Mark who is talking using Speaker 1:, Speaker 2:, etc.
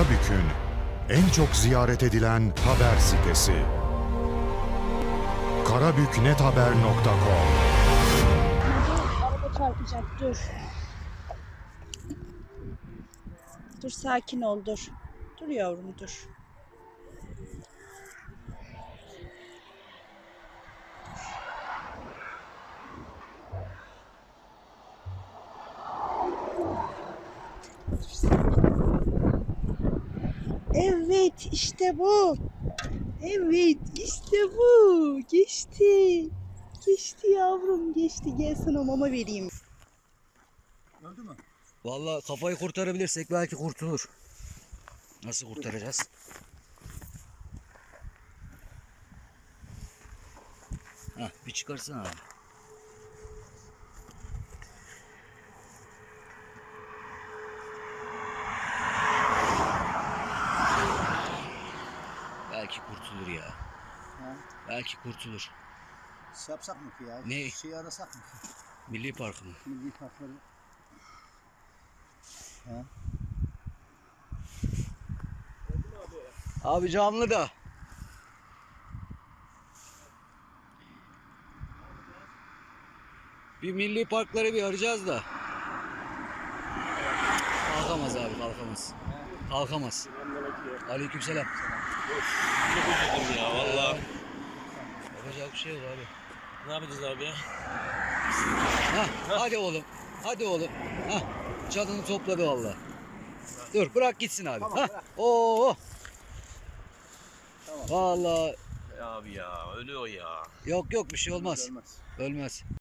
Speaker 1: Karabük'ün en çok ziyaret edilen haber sitesi. karabüknethaber.com.
Speaker 2: Araba çarpacak, dur. Dur, sakin ol, dur. Dur yavrum, dur. Evet, işte bu. Evet, işte bu. Geçti. Geçti yavrum, geçti. Gel sana mama vereyim.
Speaker 3: Öldü mü?
Speaker 4: Vallahi kafayı kurtarabilirsek belki kurtulur. Nasıl kurtaracağız? Hah, bir çıkarsana abi. Belki kurtulur ya.
Speaker 3: Ha?
Speaker 4: Belki kurtulur.
Speaker 3: Şey yapsak mı ki ya?
Speaker 4: Ne?
Speaker 3: Şeyi arasak mı ki?
Speaker 4: Milli Parkı mı?
Speaker 3: Milli parkları. Ha?
Speaker 4: Abi camlı da. Bir milli parkları bir arayacağız da. Kalkamaz abi, kalkamaz. Kalkamaz. Aleykümselam.
Speaker 5: Çok üzüldüm ya vallahi.
Speaker 4: Yapacak bir şey yok abi.
Speaker 5: Ne yapacağız abi ya?
Speaker 4: Hah, hadi oğlum. Hadi oğlum. Hah, çadını topladı vallahi. Dur, bırak gitsin abi.
Speaker 3: Tamam,
Speaker 4: Hah.
Speaker 3: bırak.
Speaker 4: Oo.
Speaker 3: Tamam.
Speaker 4: Vallahi
Speaker 5: Abi ya ölüyor ya.
Speaker 4: yok bir şey olmaz.
Speaker 3: Ölmez.
Speaker 4: Ölmez.